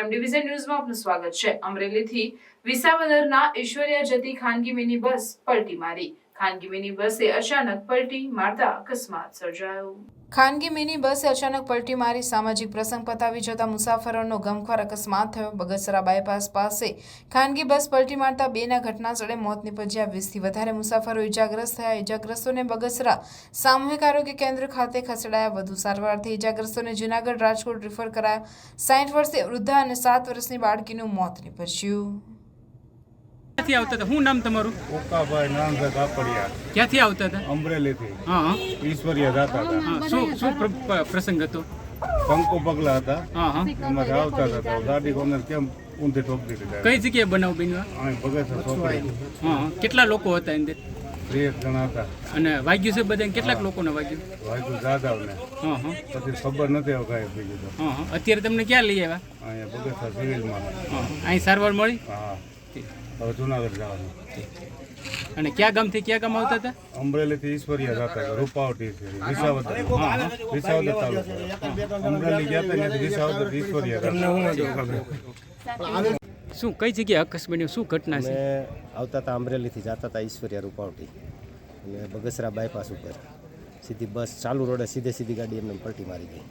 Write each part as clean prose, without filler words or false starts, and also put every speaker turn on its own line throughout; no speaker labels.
એમ division ન્યૂઝમાં આપનું સ્વાગત છે। અમરેલીથી વિસાવદરના ઈશ્વરિયા જતી ખાનગી મિની બસ પલટી મારી। ખાનગી મિની બસે અચાનક પલટી મારતા અકસ્માત સર્જાયો। ખાનગી મિની બસે અચાનક પલટી મારી સામાજિક પ્રસંગ પતાવી જતા મુસાફરોનો ગમખ્વાર અકસ્માત થયો। બગસરા બાયપાસ પાસે ખાનગી બસ પલટી મારતા બેના ઘટના સ્થળે મોત નીપજ્યા। 20થી વધારે મુસાફરો ઇજાગ્રસ્ત થયા। ઇજાગ્રસ્તોને બગસરા સામૂહિક આરોગ્ય કેન્દ્ર ખાતે ખસેડાયા। વધુ સારવારથી ઇજાગ્રસ્તોને જૂનાગઢ રાજકોટ રિફર કરાયા। 60 વર્ષીય વૃદ્ધા અને 7 વર્ષની બાળકીનું મોત નીપજ્યું।
ક્યાંથી આવતા હતા? શું નામ તમારું?
ઓકાભાઈ નામભાઈ કાપડિયા।
ક્યાંથી આવતા હતા?
અમરેલીથી
હા
ઈશ્વરિયા જતા હતા।
હા શું પ્રસંગ હતો?
કંકુ પગલા હતા,
હા
એમાંથી આવતા હતા તો ગાડી કોને કેમ ઊંધી ઠોકી દીધી।
કઈ જગ્યાએ બનાવ બન્યો?
અહીં બગસરા ચોકડી
હા કેટલા લોકો હતા અંદર?
2 જણા હતા।
અને વાગ્યું છે બધાને? કેટલાક લોકોને વાગ્યું?
વાયકુ જાદવને
હા
પછી ખબર નથી હવે કાંઈ બીજું તો।
હા અત્યારે તમને ક્યાં લઈ આવ્યા?
અહીંયા બગસરા સિવિલમાં।
હા અહીં સારવાર મળી?
હા હવે જૂનાગઢ જવાનું।
અને કયા ગામથી કયા ગામ આવતા હતા?
અમરેલીથી ઈશ્વરિયા જતા હતા, રૂપાવટી વિસાવદર તાલુકો। અમરેલી ગયા હતા ત્યાંથી વિસાવદર ઈશ્વરિયા હતા।
શું કઈ જગ્યાએ અકસ્માત બન્યો? શું ઘટના છે?
આવતા હતા અમરેલીથી જતા હતા ઈશ્વરિયા રૂપાવટી અને બગસરા બાયપાસ ઉપર સીધી બસ ચાલુ રોડે સીધી ગાડી એમને પલટી મારી ગઈ।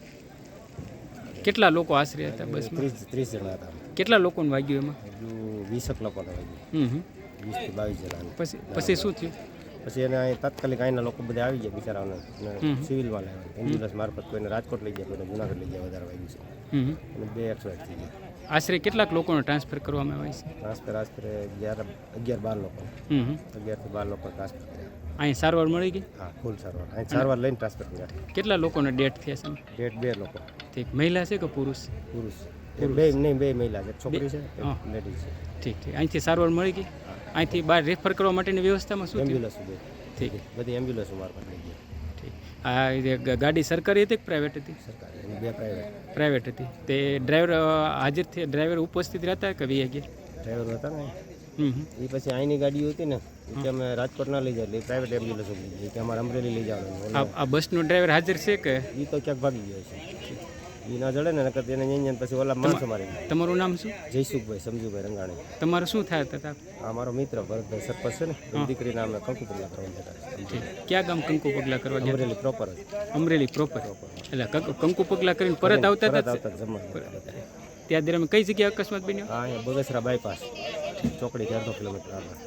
કેટલા લોકો આશરે હતા બસમાં?
30 જણા હતા।
કેટલા લોકોને વાગ્યું એમાં?
હજુ 20 લોકોને વાગ્યું, 20 થી 22 જણા।
પછી શું થયું?
પછી એને અહીં તાત્કાલિક અહીંના લોકો બધા આવી ગયા બિચારાઓને સિવિલમાં લાવ્યા। એમ્બ્યુલન્સ મારફત કોઈને રાજકોટ લઈ ગયા, કોઈને જૂનાગઢ લઈ ગયા, વધારે વાગ્યું છે અને 2 એક્સપાયર થઈ ગયા।
આશરે કેટલાક લોકોને ટ્રાન્સફર કરવામાં આવે છે?
ટ્રાન્સફર આશરે 11-12 લોકો, 11 થી 12 લોકો ટ્રાન્સફર કર્યા।
અહીં સારવાર મળી ગઈ?
હા ફૂલ સારવાર, અહીં સારવાર લઈને ટ્રાન્સફર કર્યા।
કેટલા લોકોને ડેથ થયા છે?
ડેટ 2 લોકો।
ઠીક, મહિલા છે કે પુરુષ?
પુરુષ બે મહિલા છે, છોકરી છે, લેડીઝ છે।
ઠીક અહીંથી સારવાર મળી ગઈ? અહીંથી બહાર રેફર કરવા માટેની વ્યવસ્થામાં શું થયું?
એમ્બ્યુલન્સ
ઠીક,
બધી એમ્બ્યુલન્સ મારફત લઈ ગયા।
ઠીક, આ ગાડી સરકારી હતી કે પ્રાઇવેટ હતી?
સરકારી અને 2 પ્રાઇવેટ।
પ્રાઇવેટ હતી। તે ડ્રાઈવર હાજર થયા? ડ્રાઈવર ઉપસ્થિત રહેતા કે વી ગયા?
ડ્રાઈવર હતા ને એ પછી અહીંની ગાડીઓ હતી ને કે અમે રાજકોટ ના લઈ જાય એટલે પ્રાઇવેટ એમ્બ્યુલન્સ લઈ જાય કે અમારે અમરેલી લઈ જવાનું।
આ બસનો ડ્રાઈવર હાજર છે કે?
એ તો ક્યાંક ભાગી ગયો છે, એ ના જડે ને નકર એને અહીંયા પછી ઓલા માણસો મારી ગયા।
તમારું નામ શું?
જયસુખભાઈ સમજુભાઈ રંગાણી।
તમારું શું થાય હતા?
આ મારો મિત્ર ભરતભાઈ સરપંચ છે ને, એની દીકરીના અમે કંકુ પગલા કરવા જતા।
ઠીક, ક્યાં ગામ કંકુ પગલા કરવા ગયા?
અમરેલી પ્રોપર જ।
અમરેલી પ્રોપર। એટલે કંકુ પગલા કરીને પરત આવતા હતા?
જમવા
ત્યાં દરમિયાન કઈ જગ્યાએ અકસ્માત બન્યો?
હા અહીંયા બગસરા બાયપાસ ચોકડી 1.5 કિલોમીટર આગળ।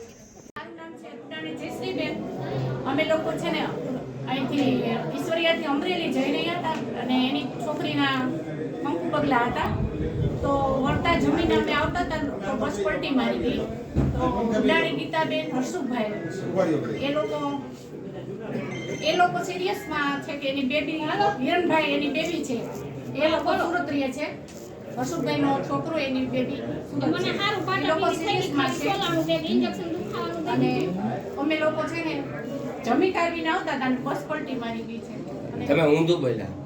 અમે લોકો છે ને અહીંથી ઈશ્વરિયાથી અમરેલી જઈ રહ્યા હતા અને એની છોકરીના કંકુ પગલા હતા, તો વળતા જમીને અમે આવતા હતા તો બસ પલટી મારી ગઈ। તો ઉડાડી ગીતાબેન હર્ષુભાઈ એ લોકો સિરિયસમાં છે કે એની બેબી હિરણભાઈ એની બેબી છે, એ લોકો સુરત રહે છે। હર્ષુભાઈનો છોકરો એની બેબી સુરત છે, એ લોકો સિરિયસમાં છે। અને અમે લોકો છે ને જમી કાઢીને આવતા હતા અને બસ પલટી મારી ગઈ છે।
તમે ઊંધું બોલ્યા?